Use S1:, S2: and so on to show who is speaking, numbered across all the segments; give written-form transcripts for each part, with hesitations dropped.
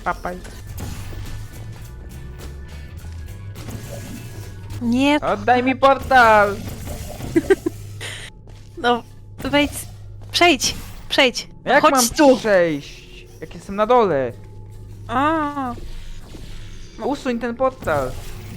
S1: papaj.
S2: Nie,
S1: Oddaj mi portal!
S2: no wejdź. Przejdź, przejdź.
S1: Jak
S2: Chodź
S1: mam
S2: tu.
S1: przejść? Jak jestem na dole?
S2: A,
S1: Usuń ten portal.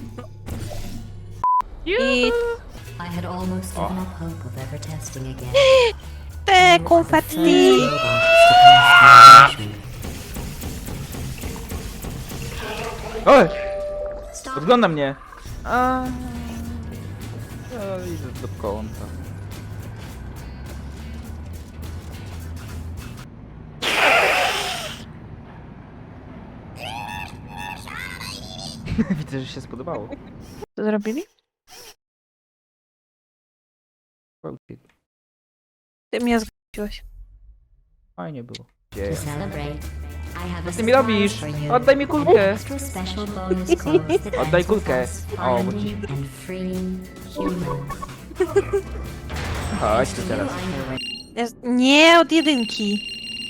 S2: I
S3: I had almost given up hope of ever testing again.
S2: te konfetti.
S1: Oj!
S3: Stop.
S1: Podgląda mnie. A, idę do kąta. Widzę, że się spodobało.
S2: Co zrobili? Ty mnie zgodziłeś.
S1: Fajnie było.
S3: To celebrate, I have a
S1: Co ty mi robisz?
S3: surprise for you.
S1: Oddaj mi kulkę!
S3: Extra special bonus codes that
S1: Oddaj
S3: adds
S1: kulkę.
S3: us
S1: O, bo
S3: funny
S1: ci...
S3: and free human.
S1: Chodź tu teraz.
S2: Nie od jedynki.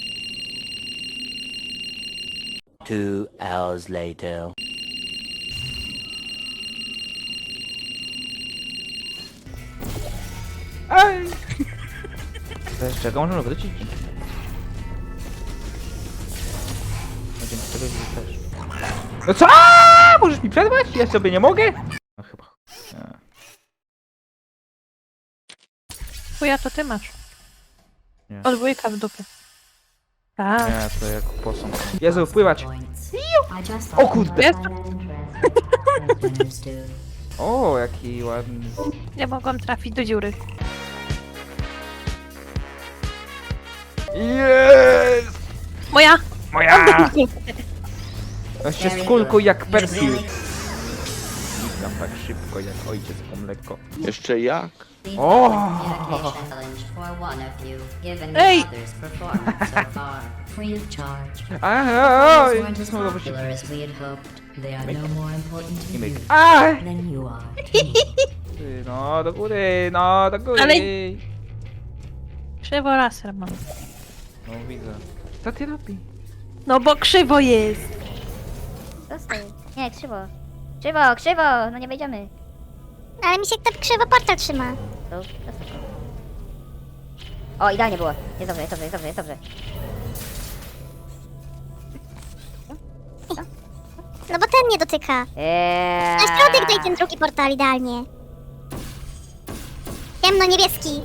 S4: 2 hours later.
S1: Aj! Z czego możemy wrócić? No dzięki tego też. No co? Możesz mi przerwać? Ja sobie nie mogę? No chyba. Nie.
S2: Chuja to ty masz.
S1: Nie.
S2: Od wujka w dupie. Tak.
S1: Nie, to jak posąg. Jezu, wpływać!
S3: Points. I just
S1: O
S3: thought
S1: kurde!
S3: you might find that interesting, as winners do.
S1: O, jaki ładny.
S2: Nie mogłam trafić do dziury.
S1: Jest!
S2: Moja!
S1: Moja! On się skulkuj jak Persil. Tam tak szybko jak ojciec po mleko.
S4: Jeszcze jak?
S1: O!
S3: Communication challenge for one of you, given
S2: Hey!
S3: the other's performance so far. Free of charge.
S1: Aha,
S3: These
S1: oj,
S3: weren't as
S1: znowu do
S3: popular as we had hoped. They are no more important to
S1: I myk.
S3: you
S1: Aj!
S3: than you are to me.
S1: No, do góry, no, do góry.
S2: Ale- Krzywo laser mam.
S1: No widzę. Co ty robi?
S2: No bo krzywo jest.
S5: Zostań. Nie, krzywo. Krzywo, krzywo! No nie wejdziemy. Ale mi się tak krzywo portal trzyma. To, zostań. O, idealnie było. Jest dobrze, jest dobrze, jest dobrze, jest dobrze.
S6: No bo ten nie dotyka. Na środek daj ten drugi portal idealnie. Ciemno-niebieski.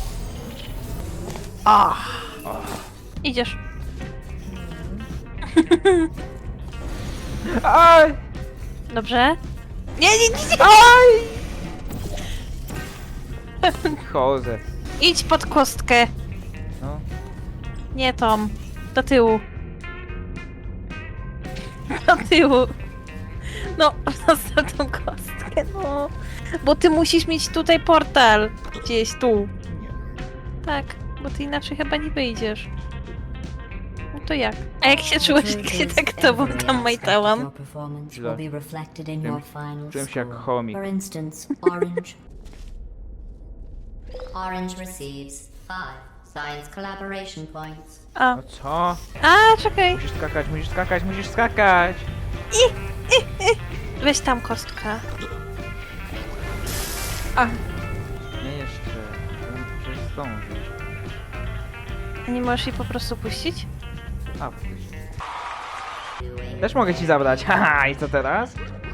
S2: Idziesz.
S1: Aj!
S2: Dobrze? Nie, nie, nie, nie.
S1: Aj! Chodzę.
S2: Idź pod kostkę.
S1: No.
S2: Nie Tom. Do tyłu. Do tyłu. No, zostaw tą kostkę, no. Bo ty musisz mieć tutaj portal. Gdzieś tu.
S1: Nie.
S2: Tak, bo ty inaczej chyba nie wyjdziesz. No to jak? A jak się czułeś, jak się tak tobą tam majtałam?
S3: Your performance
S1: Źle.
S3: will be reflected in your final
S1: Czułem się jak
S3: score.
S1: chomik.
S3: For instance, Orange. Orange receives 5 science collaboration points.
S2: A,
S1: No co?
S2: czekaj.
S1: Musisz skakać, musisz skakać, musisz skakać.
S2: Weź tam kostka.
S1: Nie jeszcze. Przecież zdążysz.
S2: A nie możesz jej po prostu puścić?
S1: A, też mogę ci zabrać. Haha, i co teraz?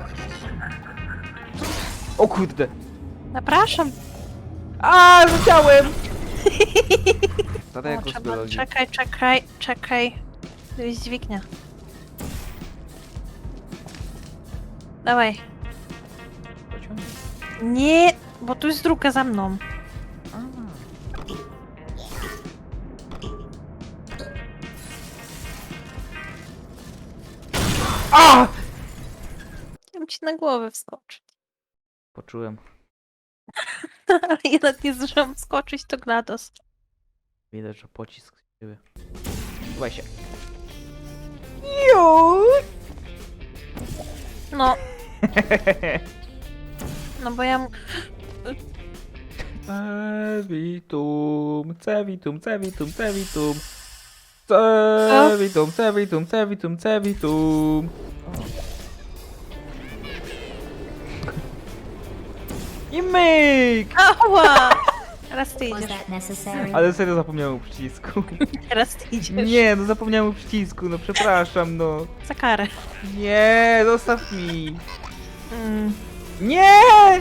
S1: O kurde.
S2: Zapraszam.
S1: A, rzuciałem! Tata
S2: O,
S1: jako z
S2: trzeba,
S1: biologii.
S2: czekaj. To jest dźwignia. Dawaj.
S1: Pociągnij.
S2: Nie, bo tu jest druga za mną.
S1: A!
S2: Chciałam ci na głowę wskoczyć.
S1: Poczułem.
S2: Ale jednak nie zdążyłam wskoczyć, to GLaDOS.
S1: Widać, że pocisk z siebie. Słuchaj się.
S2: No. No bo ja...
S1: Cevitum, cevitum, cevitum, cevitum. Cevitum, cevitum, cevitum, cevitum. I myk!
S2: Ała! Teraz ty
S3: Was
S2: idziesz.
S3: that necessary?
S1: Ale serio zapomniałem o przycisku.
S2: Teraz ty idziesz.
S1: Nie, no zapomniałem o przycisku, no przepraszam, no.
S2: Za karę.
S1: Nie, zostaw mi.
S2: Mm.
S1: Nie!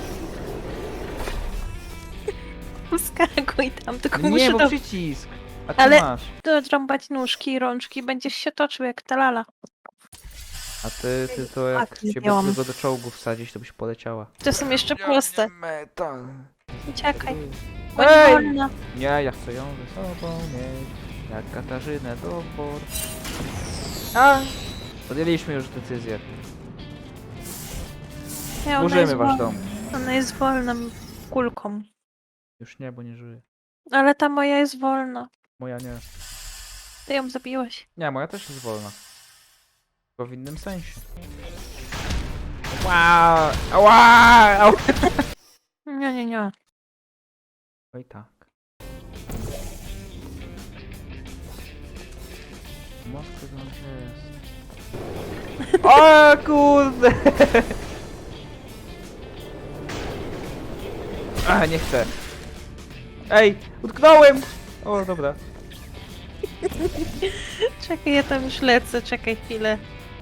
S2: Skakuj tam, tylko
S1: No
S2: muszę
S1: nie, bo
S2: to
S1: przycisk. A ty
S2: Ale-
S1: masz.
S2: dodrąbać nóżki i rączki, będziesz się toczył jak ta lala.
S1: A ty to jak
S2: Tak,
S1: ciebie
S2: zdjęłam.
S1: tylko do czołgu wsadzić, to byś poleciała.
S2: To są jeszcze proste.
S1: Metal.
S2: Uciekaj.
S1: Ej!
S2: Bądź wolna.
S1: Nie, ja chcę ją ze sobą mieć. Jak Katarzynę do por. A! Podjęliśmy już decyzję.
S2: Nie, ona
S1: Burzymy
S2: jest
S1: wasz
S2: wolna.
S1: dom.
S2: Ona jest wolną kulką.
S1: Już nie, bo nie żyje.
S2: Ale ta moja jest wolna.
S1: Moja nie.
S2: Ty ją zabiłeś.
S1: Nie, moja też jest wolna. Tylko w innym sensie. Wow! Ała! Au!
S2: Nie, nie, nie.
S1: Oj tak. Moskwa to jest. O kurde! A, nie chcę. Ej, utknąłem! O, dobra.
S2: Czekaj, ja tam już lecę, czekaj chwilę.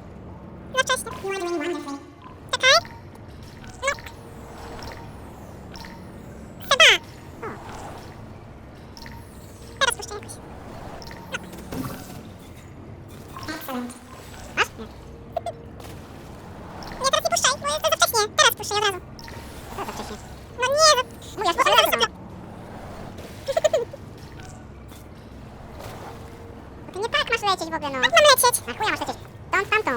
S6: To nie tak masz lecieć w ogóle, no. Jak mam lecieć? Na chuja masz lecieć. Tą, tamtą.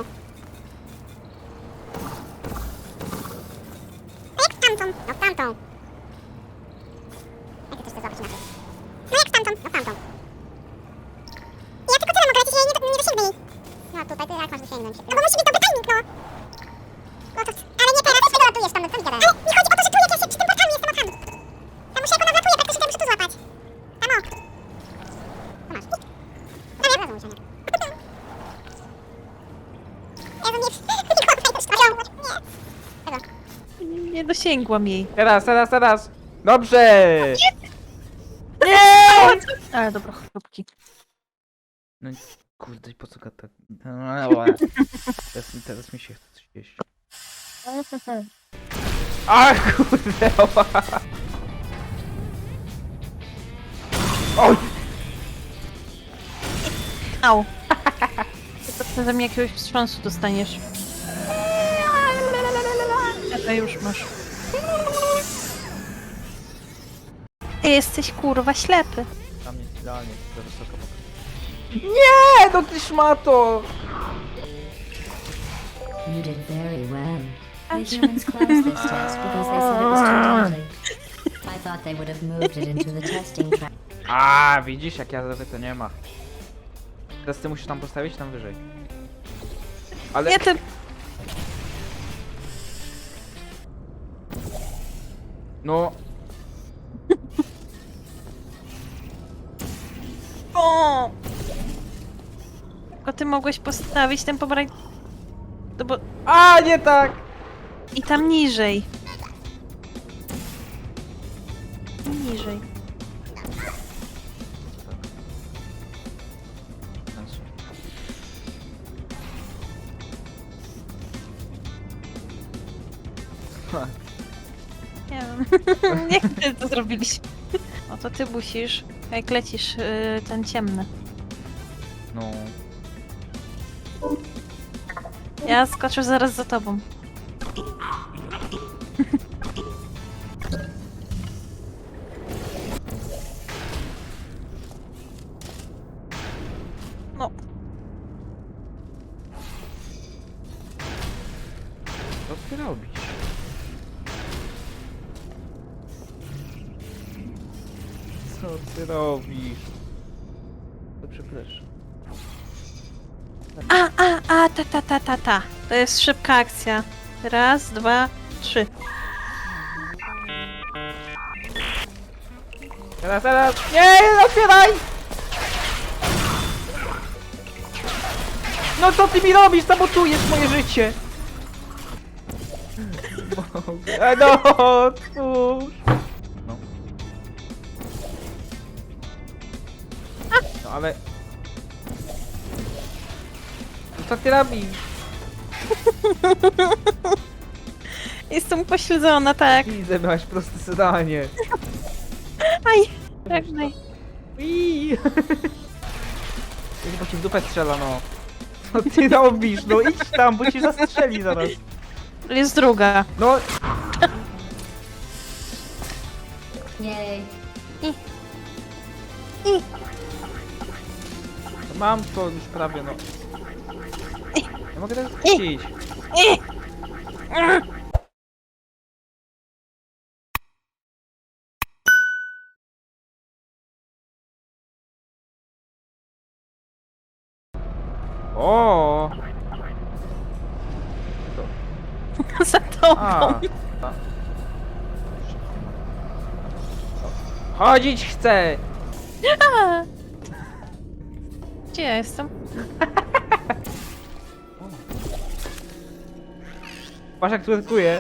S6: No jak w tamtą? No w tamtą. Jak ty chcesz to zrobić inaczej? No jak w tamtą? No w tamtą. Ja tylko tyle mogę lecieć, ja nie dosięgnę jej. No tutaj, ty jak masz dosięgnąć? No bo musi być dobry timing, no. No to, ale nie teraz, ty dolatujesz tam, no co mi gadasz? Ale mi chodzi o to, że tu jak ja się przy tym portalu jestem okami. Ja muszę, jak ona wlatuje, praktycznie to muszę tu złapać. Tam o. To masz. No nie, rozumiem się, nie. Jezu, nie, nie.
S2: Nie dosięgłam jej.
S1: Teraz, teraz, teraz! Dobrze!
S2: Ale dobra, chrupki.
S1: No kurde, i po co tak... Teraz mi się chce coś jeść. A kurde! Ała. Oj!
S2: Au. To przeze mnie jakiegoś wstrząsu dostaniesz. Czekaj, już masz. Ty jesteś kurwa ślepy.
S1: Tam jest idealnie, za wysoko. Nie, no ty szmato!
S3: You did very well. The humans closed this test because they said it was too deadly. I thought they would have moved it into the testing track.
S1: A, widzisz, jak ja to nie ma. Teraz ty musisz tam postawić, tam wyżej. Ale...
S2: Nie, ty...
S1: No...
S2: O! Tylko ty mogłeś postawić ten pomarańcz... No bo...
S1: A, nie tak!
S2: I tam niżej. Niżej. Nie wiem. Nie chcę, to zrobiliśmy. No to ty musisz, jak lecisz ten ciemny.
S1: No...
S2: Ja skoczę zaraz za tobą. No,
S1: Co ty robisz? Co ty robisz? To przepraszam.
S2: ta. To jest szybka akcja. Raz, dwa, trzy.
S1: Teraz, teraz! Nie, otwieraj! No co ty mi robisz? Sabotujesz moje życie! No, cóż. No. No ale... No co ty robisz?
S2: Jestem upośledzona, tak.
S1: Widzę, miałaś proste zadanie.
S2: Aj, żegnaj.
S1: Iii. Bo ci w dupę strzela, no. Co ty robisz? No idź tam, bo ci zastrzeli zaraz.
S2: Jest druga.
S1: No,
S3: Yay.
S1: mam to już prawie, no. Nie mogę tego wrócić. O!
S2: Za tobą.
S1: A. Chodzić chcę!
S2: Gdzie ja jestem?
S1: Patrz jak twerkuje.